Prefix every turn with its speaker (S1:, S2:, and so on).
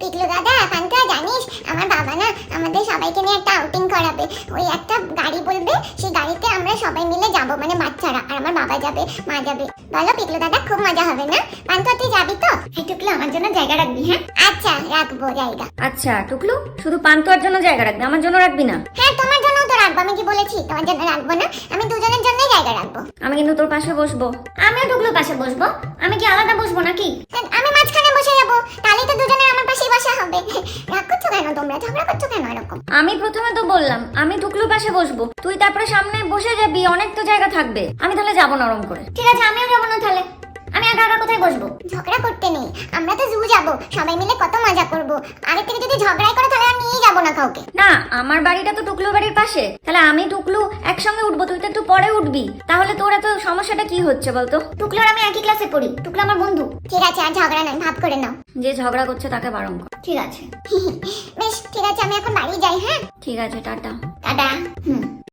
S1: পিকলু দাদা পান্তা জানিস আমার বাবা না আমাদের সবাইকে নিয়ে একটা আউটিং করাবে। ওই একটা গাড়ি বলবে, সেই গাড়িতে আমরা সবাই মিলে যাব, মানে বাচ্চারা, আর আমার বাবা যাবে, মা যাবে। বলো পিকলু দাদা, খুব মজা হবে না? পান্তা তুই যাবি তো? এই টুকলু আমার জন্য জায়গা রাখবি? হ্যাঁ আচ্ছা রাখবো জায়গা।
S2: আচ্ছা টুকলু, শুধু পান্তুয়ার জন্য জায়গা রাখবি, আমার জন্য রাখবি না?
S1: হ্যাঁ তোমার জন্য তো রাখবো, আমি কি বলেছি তোমার জন্য রাখবো না? আমি দুজনের জন্যই জায়গা রাখবো।
S2: আমি কিন্তু তোর পাশে বসবো।
S3: আমিও টুকলুর পাশে বসবো। আমি কি আলাদা বসবো নাকি?
S1: আমি মাঝখানে বসে যাবো, তাহলে তো দুজনের আমার পাশেই বসা হবে। রাগ করছো কেন তোমরা, ঝগড়া করছো কেন এরকম?
S2: আমি প্রথমে তো বললাম আমি টুকলুর পাশে বসবো, তুই তারপরে সামনে বসে যাবি, অনেক তো জায়গা থাকবে। আমি তাহলে যাবো নরম করে।
S3: ঠিক আছে, আমিও যাবো না তাহলে। আমি একা একা কোথায় বসবো?
S1: ঝগড়া করতে নেই, আমরা তো জু যাবো, সবাই মিলে কত মজা করবো। আগে থেকে যদি ঝগড়াই করো তাহলে আর নিয়ে যাবো না কাউকে।
S2: না, আমার বাড়িটা তো টুকলু বাড়ির পাশে, তাহলে আমি টুকলু একসঙ্গে উঠবো, তুই তো একটু পরে উঠবি। তাহলে তোর এত সমস্যাটা কি হচ্ছে বলতো?
S3: টুকলুর আমি একই ক্লাসে পড়ি, টুকলু আমার বন্ধু।
S1: ঠিক আছে, আর ঝগড়া নয়, ভাব করে নাও।
S2: যে ঝগড়া করছে তাকে বারণ কর।
S3: ঠিক আছে।
S1: বেশ ঠিক আছে, আমি এখন বাড়ি যাই। হ্যাঁ
S2: ঠিক আছে, টাটা।
S1: টাটা।
S3: হুম।